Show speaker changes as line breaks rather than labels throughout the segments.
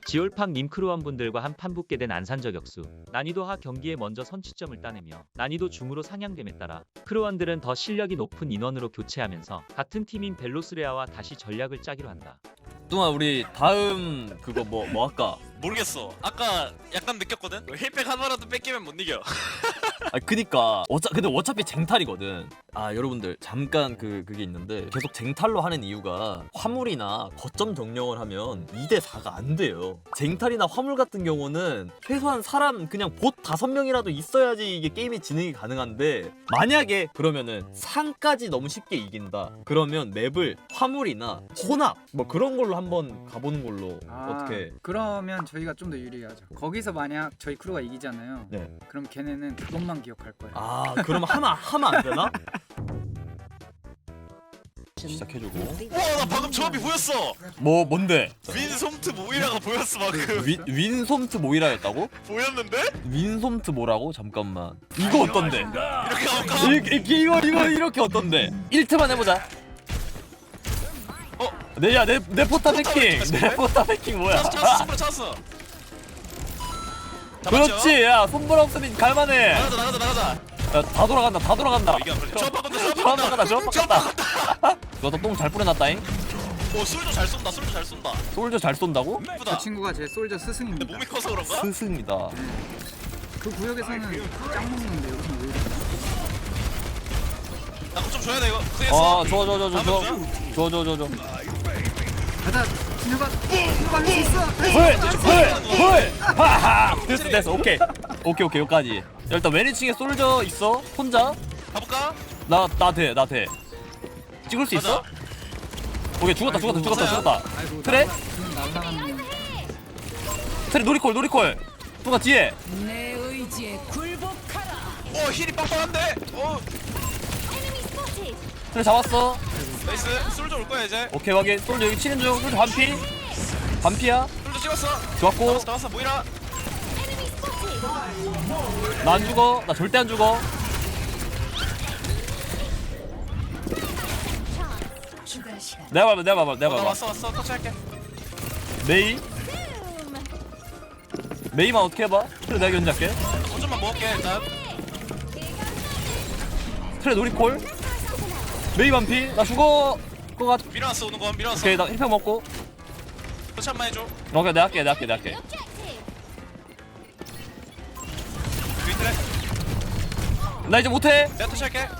지올팡 님 크루원분들과 한판 붙게 된 안산 저격수. 난이도 하 경기에 먼저 선취점을 따내며 난이도 중으로 상향됨에 따라 크루원들은 더 실력이 높은 인원으로 교체하면서 같은 팀인 벨로스레아와 다시 전략을 짜기로 한다.
뚱아 우리 다음 그거 뭐 할까?
모르겠어. 아까 약간 느꼈거든. 힐백 하나라도 뺏기면 못 이겨.
아 그니까 근데 어차피 쟁탈이거든. 아 여러분들 잠깐 그게 있는데 계속 쟁탈로 하는 이유가 화물이나 거점 정령을 하면 2대 4가 안 돼요. 쟁탈이나 화물 같은 경우는 최소한 사람 그냥 봇 5명이라도 있어야지 이게 게임이 진행이 가능한데 만약에 그러면은 상까지 너무 쉽게 이긴다. 그러면 맵을 화물이나 혼합 뭐 그런 걸로 한번 가보는 걸로 어떻게?
그러면 저희가 좀 더 유리하죠. 거기서 만약 저희 크루가 이기잖아요.
네.
그럼 걔네는 그것만 기억할 거예요.
아 그러면 하면 안 되나? 시작해주고.
와, 나 방금 조합이 보였어.
뭔데?
윈솜트 모이라가 보였어 방금.
윈솜트 모이라였다고?
보였는데?
윈솜트 뭐라고? 잠깐만 이거 어떤데?
이렇게 가볼까?
이거 이렇게 어떤데? 1트만 해보자. 내 포탑 해킹. 내 포탑 해킹 뭐야?
찾았어. 손으로 찾았어.
그렇지. 야 손볼 없으면 갈만해.
나가자.
야, 다 돌아간다.
이게 안 걸려. 조합 바꾼다.
조합 바꿨다. 너도 똥 잘 뿌려놨다잉.
오, 술도 잘 쏜다.
솔저 잘 쏜다고?
예쁘다.
그 친구가 제 솔저
근데
스승입니다.
몸이 커서 그런가?
스승이다.
그 구역에서는 짱 먹는데 여기는 왜 이래?
나좀 줘야 돼 이거. 고생했어.
줘.
가자, 진혁아 할수 있어.
헐! 하하! 됐어. 오케이, 여기까지. 야, 일단 왼위층에 솔저 있어? 혼자?
가볼까?
나 돼. 찍을 수 있어? 오케이, 죽었다.
아이고,
그래?
날라갔네.
트레 노리콜. 누가 뒤에?
내 의지에 굴복하라.
힐이 빵빵한데.
트레 잡았어.
나이스. 솔저 올 거야 이제.
오케이, 확인. 솔저 여기 치는 중. 솔저 반피야.
솔저 찍었어.
좋았고.
나왔어. 모이라.
나 안 죽어. 나 절대 안 죽어.
추가 시간.
내가
나
봐봐.
왔어. 터치할게.
메이만 어떻게 해봐? 트레 내가 견제할게.
좀만 먹을게 일단.
트레 노리콜. 메이 반피. 나 죽어. 그거 같.
밀어놨어 오는 거 밀어놨어.
오케이, 나 1팩 먹고.
터치 한번 해줘.
오케이, 내가 할게.
윈트래.
나 이제 못해.
내가 터치할게.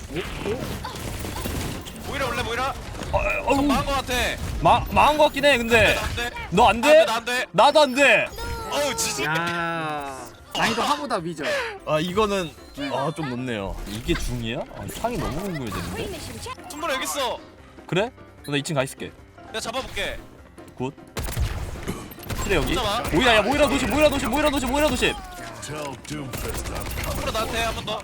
모이라 올래 모이라.
어우,
망한 거 같아.
망한 거 같긴 해. 근데
안돼.
너 안 돼?
안 돼.
나도 안 돼.
어우 지지.
야, 난이도 하보다 위죠.
아 이거는
네.
좀 높네요. 이게 중이야? 상이 너무 궁금해지는데.
손보라 여기 있어.
그래? 나 2층 가 있을게.
내가 잡아볼게.
굿. 그래 여기.
잡아.
모이라 도시.
손보라 나한테 한 번 더.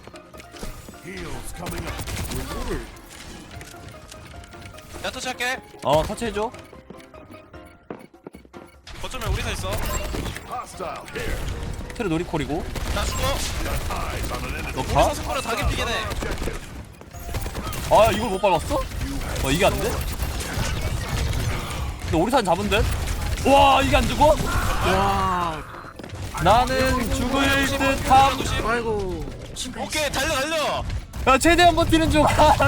내가 터치할게.
터치해줘.
거점에 우리 서 있어.
트레 놀이콜이고.
나 죽어.
너
우리
가?
서 손보라 다 개피긴 해.
아 이걸 못 밟았어? 이게 안 돼? 근데 오리산 잡은 듯? 와 이게 안 죽어?
와,
나는 죽을 듯함.
아이고.
오케이 달려.
야 최대한 버티는 중.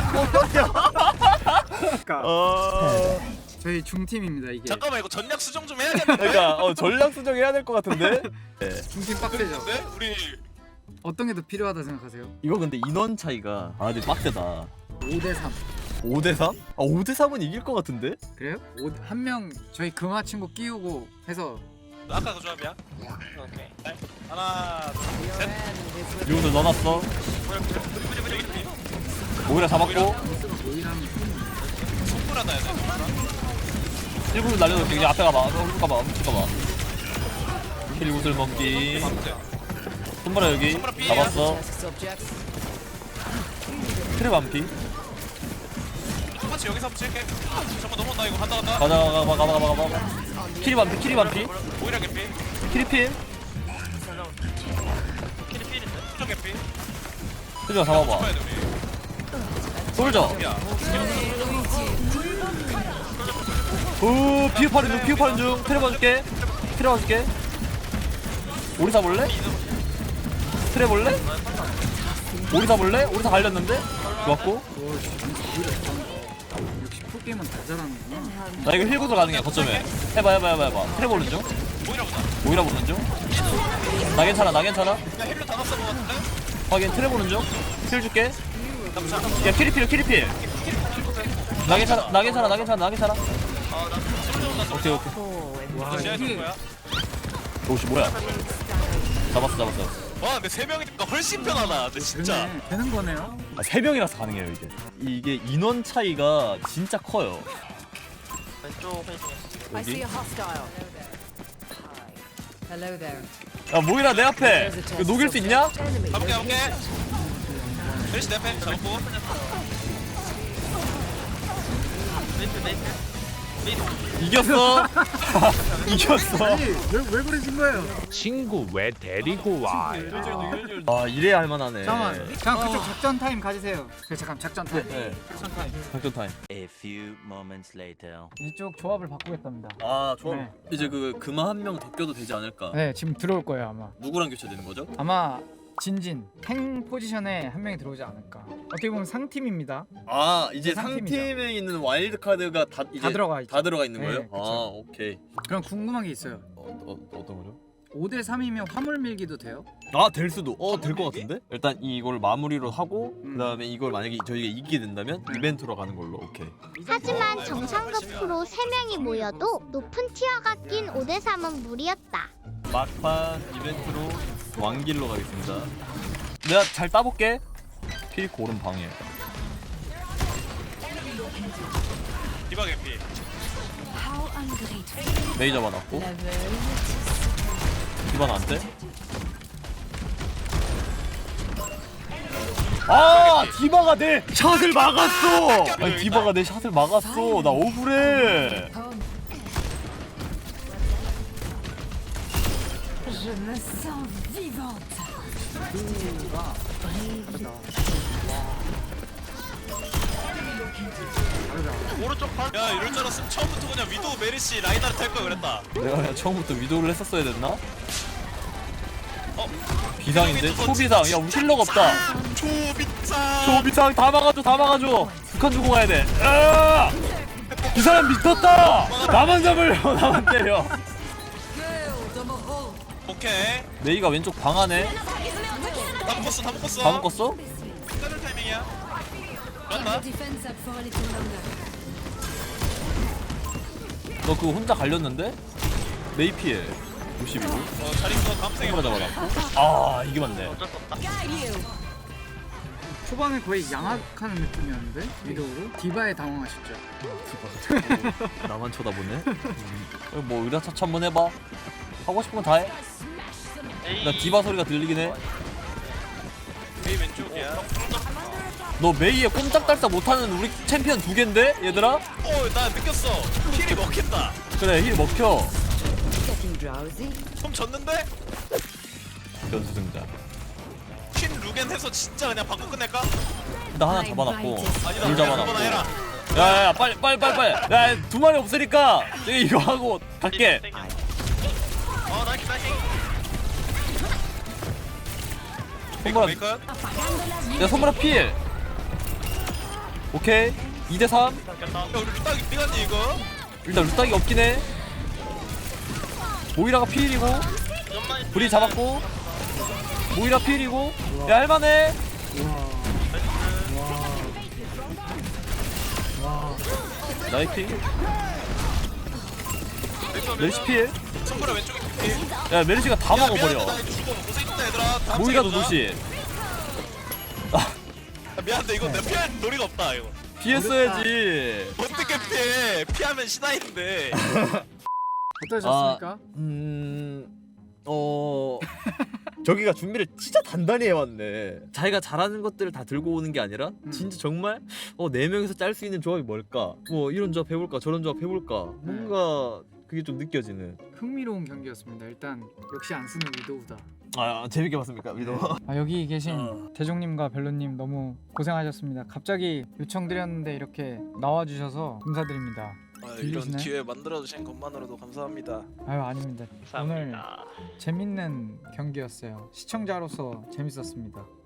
그러니까 저희 중팀입니다 이게.
잠깐만 이거 전략 수정 좀 해야겠는데.
그러니까 전략 수정해야 될 것 같은데.
중팀 빡세죠.
근데 우리
어떤 게 더 필요하다 생각하세요?
이거 근데 인원 차이가 근데 빡세다.
5대3.
5대3? 5대3은 이길 것 같은데?
그래요? 한 명 저희 금화 친구 끼우고 해서
아까 그 조합이야? 오케이. 하나, 셋.
이거도 넣어놨어. 오히려 잡았고
모이라는
손보라 나야 돼.
1분을 날려놓을게. 그냥 앞에 가봐. 가봐. 킬 구슬 먹기. 손보라 여기
손보라 삐에요.
잡았어. 트랩 암피.
똑같이 여기서 붙일게. 잠깐 넘어온다 이거 간다.
가봐. 키리 반피.
모이라 개피.
키리필.
수정 개피.
솔저 잡아봐.
봐야 돼 우리.
솔저.
야.
오 피우파는 중. 트랩 봐줄게. 트랩 트레 와줄게. 오리사 볼래? 트레 볼래? 오리사 볼래? 오리사 갈렸는데? 좋았고.
역시 프로게임은 다 잘하는구나.
나 이거 힐구도 가능해. 거점에 해봐. 트레 보는 중. 오이라 보는 중. 나 괜찮아.
야 힐로 다 났어 것 같은데?
확인. 트레 보는 중. 힐 줄게. 야 키리필. 나 괜찮아. 오케이.
와
제가 줄
이게
거야.
오씨 뭐야? 잡았어.
와 근데 3명이니까 훨씬 편하다 근데 진짜.
되는 거네요.
아, 3명이라서 가능해요 이게. 이게 인원 차이가 진짜 커요.
왼쪽 페이징에
I see
여기.
a hostile. Hello there.
야 모이라 내 앞에. 이거 녹일 수 있냐?
가볼게 메리시 내패 잡고.
이겼어. 이겼어.
아니 왜 그러신 거예요?
친구 왜 데리고 와?
아 이래야 할만하네.
잠깐만 그쪽 작전 타임 가지세요. 잠깐 작전 타임.
네. 작전 타임.
A few moments later.
이쪽 조합을 바꾸겠답니다.
아 좋아.
네.
이제 그 금화 한 명 더 껴도 되지 않을까?
네 지금 들어올 거예요 아마.
누구랑 교체되는 거죠?
아마 진진 탱 포지션에 한 명이 들어오지 않을까. 어떻게 보면 상팀입니다.
아 이제
상팀이죠.
상팀에 있는 와일드 카드가 다 이제
다 들어가 있죠.
다 들어가 있는
네,
거예요?
그쵸.
아 오케이.
그럼 궁금한 게 있어요.
어떤 거죠?
5대 3이면 화물 밀기도 돼요?
아 될 수도. 될 것 같은데? 일단 이걸 마무리로 하고 그다음에 이걸 만약에 저희가 이기게 된다면 이벤트로 가는 걸로. 오케이.
하지만 정상급 프로 3명이 모여도 높은 티어가 낀 5대3은 무리였다.
막판 이벤트로 왕길로 가겠습니다. 내가 잘 따볼게. 필 고른 방해.
디바 개피.
How ungrateful.
레이저 받았고
Level.
기반 안 돼? 아 디바가 내 샷을 막았어. 아니 디바가 내 샷을 막았어. 나 억울해.
Je me sens vivante.
오른쪽 발. 야 이럴 줄 알았으면 처음부터 그냥 위도우 메리시 라인하르트 할 걸 그랬다.
내가 그냥 처음부터 위도를 했었어야 됐나?
어?
비상인데? 초비상. 야 우리 힐러가 없다.
초비상.
초비상 다 막아줘. 북한 주고 가야 돼. 아! 이 사람 미쳤다. 나만 잡으려. 나만 때려.
오케이.
메이가 왼쪽 방 안에
다 묶었어.
다 묶었어?
때릴 타이밍이야. 그런다.
Defense up for a little longer.
너 그거 혼자 갈렸는데? 메이 피해 52로
잘 있어. 다음 생에
손으로 잡아놨고. 아 이게 맞네.
Guide you.
초반에 거의 양악하는 느낌이었는데 위도우로 디바에 당황하셨죠.
나만 쳐다보네. 뭐 의라차차 한번 해봐. 하고 싶은 건 다 해. 나 디바 소리가 들리긴 해.
메이 왼쪽이야.
너 메이에 꼼짝달싹 못하는 우리 챔피언 2개인데 얘들아?
나 느꼈어. 힐이 먹힌다.
그래 힐 먹혀.
Getting drowsy.
좀 졌는데?
변수승자.
퀸 루겐 해서 진짜 그냥 바꿔 끝낼까?
나 하나 잡아놨고
아니다.
둘
그거나
잡아놨고.
해라.
야야야 빨리. 야 2마리 없으니까 내가 이거 하고 갈게.
나이스.
손보라
메이커.
야 손보라 필. 오케이 2대3.
야 우리 루딱 미간니 이거.
일단 루딱이 없긴 해. 모이라가 필이고 브리 잡았고 모이라 필이고. 야 할만해. 나이 필. 메리시 필.
손보라 왼쪽에 개피.
야 메리시가 다 먹어버려.
나 이거 죽어. 고생했다 얘들아. 다음
모이라도
생에 보자.
노시.
미안한데 이거 내 피할 도리가 없다 이거.
피했어야지.
어떻게 피해? 피하면 신화인데.
어떠셨습니까?
저기가 준비를 진짜 단단히 해왔네. 자기가 잘하는 것들을 다 들고 오는 게 아니라 진짜 정말 4명이서 짤 수 있는 조합이 뭘까? 뭐 이런 조합 해볼까? 저런 조합 해볼까? 뭔가 그게 좀 느껴지는.
흥미로운 경기였습니다. 일단 역시 안 쓰는 위도우다.
재밌게 봤습니까 위도?
여기 계신 대종님과 벨로님 너무 고생하셨습니다. 갑자기 요청드렸는데 이렇게 나와주셔서 감사드립니다.
이런
들리시나요?
기회 만들어주신 것만으로도 감사합니다.
아유 아닙니다. 오늘 재밌는 경기였어요. 시청자로서 재밌었습니다.